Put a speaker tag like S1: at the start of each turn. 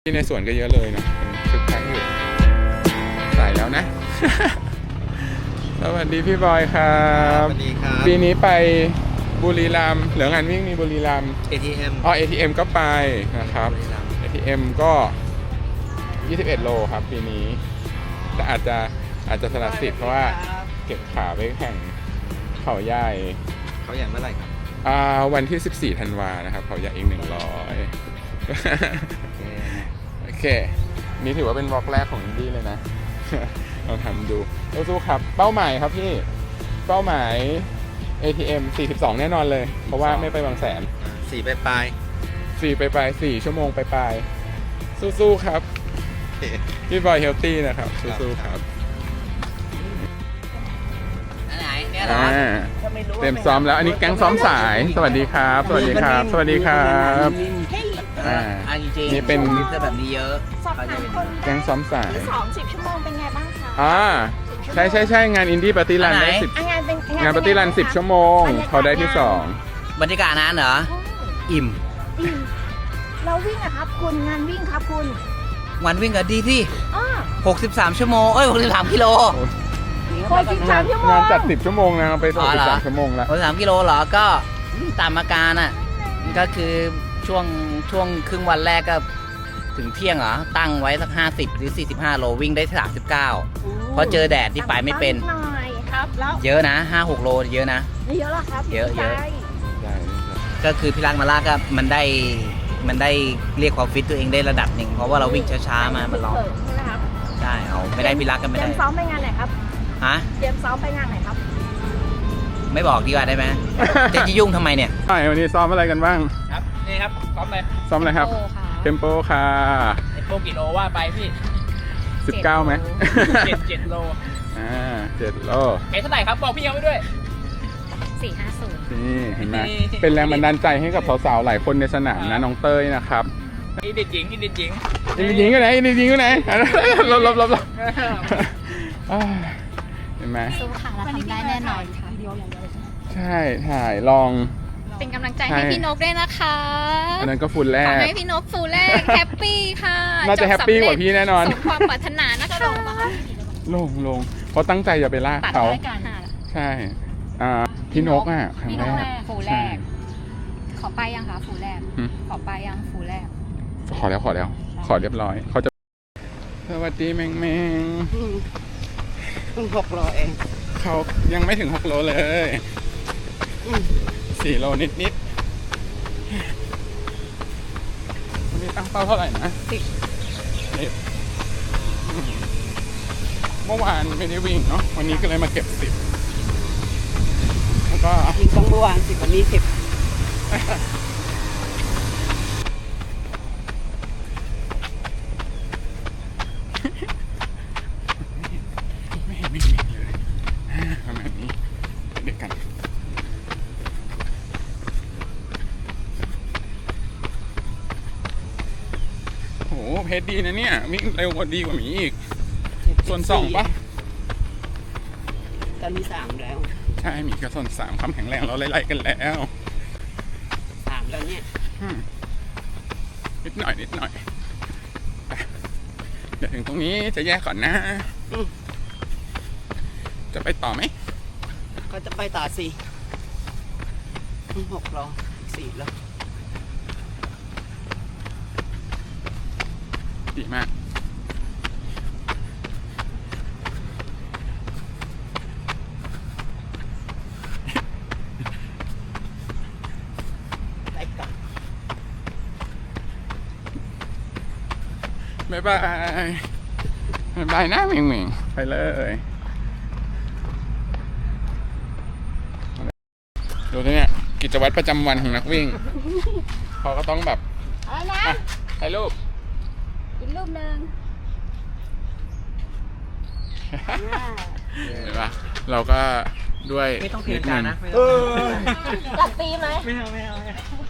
S1: ที่ในสวนก็เยอะเลยนะคึกคักอยู่สายแล้วนะ สวัสดีพี่บอยครับ
S2: สวัสดีครับ
S1: ปีนี้ไปบุรีรัมย์เหลืองานวิ่งมีบุรีรัมย์
S2: ATM
S1: ATM ก็ไปนะครับ ATM ก็ 21 โลครับปีนี้แต่อาจจะสละสิทธิ์เพราะว่าเก็บขาไปแข่งเขาใหญ่
S2: เขาใหญ่เมื่อไหร่ครับ
S1: วันที่ 14 ธันวานะครับเขาใหญ่อีก 100 โอเคนี่ถือว่าเป็นวอล์กแรกของอินดี้เลยนะ ลองทำดูสู้ๆครับเป้าหมายครับพี่เป้าหมาย ATM 42 แน่นอนเลยเพราะว่าไม่ไปบางแสน
S2: 4ปลาย
S1: 4 ชั่วโมงไปสู้ๆครับพี่บอยเฮลตี้นะครับสู้ๆครับ
S3: ไหนเนี่ยเหรอ
S1: เต็มซ้อมแล้วอันนี้แก๊งซ้อมสายสวัสดีครับสวัสดีครับสวัสดีครับ
S3: จริงๆ
S1: นี่เป็น
S3: แบบนี้เยอะ
S4: สอบถามคน
S1: แก๊งซ้อมสาย
S4: ที่10 ชั่วโมงเป็นไงบ้างคะ
S1: ใช่งานอินดี้ปาร์ตี้รันได้10งานปาร์ตี้รัน10 ชั่วโมงเขาได้ที่2
S3: บรรยากาศนั้นเหรออิ่ม
S4: เราวิ่งอะครับคุณงานวิ่งครับคุณ
S3: วันวิ่งก็ดีที่63 ชั่วโมง63 กิโล
S4: 63 ชั่วโมง
S1: งานจัด10 ชั่วโมงนะไป63 ชั่วโมงแล้ว
S3: 63 กิโลเหรอก็ตามอาการอ่ะก็คือช่วงครึ่งวันแรกก็ถึงเที่ยงเหรอตั้งไว้สัก50 หรือ 45 โลวิ่งได้39เพราะเจอแดดที่ไปไม่เป็นเยอะนะ 5-6 โลเยอะนะ
S4: เยอะหรอครับ
S3: เยอะก็คือพี่รักมาลากก็มันได้เรียกความฟิตตัวเองได้ระดับหนึ่งเพราะว่าเราวิ่งช้าๆมามันร้อนใช่เอาไม่ได้พี่รักกันไม่ได้
S4: เตรียมซ้อมไปงานไหนครับ
S3: ฮะ
S4: เตรียมซ้อมไปงานไหนครับ
S3: ไม่บอกดีกว่าได้ไหมจะยุ่งทำไมเนี่ย
S1: วันนี้ซ้อมอะไรกันบ้าง
S5: ครับนี่ครับซ้อม
S1: อะไรครับเทมโปค่ะ
S5: เทมโปกี่โลว่าไปพี่
S1: 19ไหม
S5: 7 โล
S1: 7 โล
S5: เท่าไหร่ครับบอกพี่เอาไว้ด้วย
S4: 450
S1: นี่เห็นไหมเป็นแรงบันดาลใจให้กับสาวๆหลายคนในสนามนะน้องเต้ยนะครับ
S5: อินดีจริง
S1: ก็ไหนอินดีจริงก็ไหนลบเห็นไหม
S4: สู้ค่ะเราทำได้แน่นอนค่ะ
S1: ใช่ถ่ายลอง
S4: เป็นกำลังใจให้พี่นกด้วยนะคะ
S1: อันนั้นก็ฟูลแรก
S4: ขอให้พี่นกฟูลแรกแฮปปี้ค่ะ
S1: น่าจะแฮปปี้กว่าพี่แน่นอน
S4: สมความปรารถนานะคะ
S1: ลงเพราะตั้งใจจะไปลากเขาใช่พี่นกครั้งแรก
S4: ฟูลแรกขอไปยังคะฟูลแรกขอไปยังฟูลแรก
S1: ขอเรียบร้อยเขาจะสวัสดีแมง
S3: 6 โลเอง
S1: เขายังไม่ถึง6 โลเลย4 โลนิดวันนี้ตั้งเป้าเท่าไหร่นะ10เมื่อวานไม่ได้วิ่งเนาะวันนี้ก็เลยมาเก็บ10แล้วก็
S3: วิ่งต้องเมื่อวาน10วันนี้10
S1: ไม่เลยประมาณนี้เด็กกันโหเพจดีนะเนี่ยวิ่งเร็วกว่าดีกว่ามีอีกส่วน2ปะ
S3: ตอนนี้3แล้ว
S1: ใช่มีกับส่วน3ความแข็งแรงเราไล่ๆกันแล้ว
S3: 3แล้วเนี่ย
S1: นิดหน่อยเดี๋ยวถึงตรงนี้จะแยกก่อนนะจะไปต่อไหม
S3: ก็จะไปต่อสิ6 โล4 โล
S1: ดีมากบ๊ายบายนะเหม่งไปเลยดูที่เนี่ยกิจวัตรประจำวันของนักวิ่งเขาก็ต้องแบบ
S4: อะไรนะ
S1: ถ่ายรูป
S4: อีกรูปนึง
S1: เห็นปะเราก็ด้วย
S5: ไม่ต้องเทจานนะ
S4: ตัดปีไหม
S5: ไม่เอา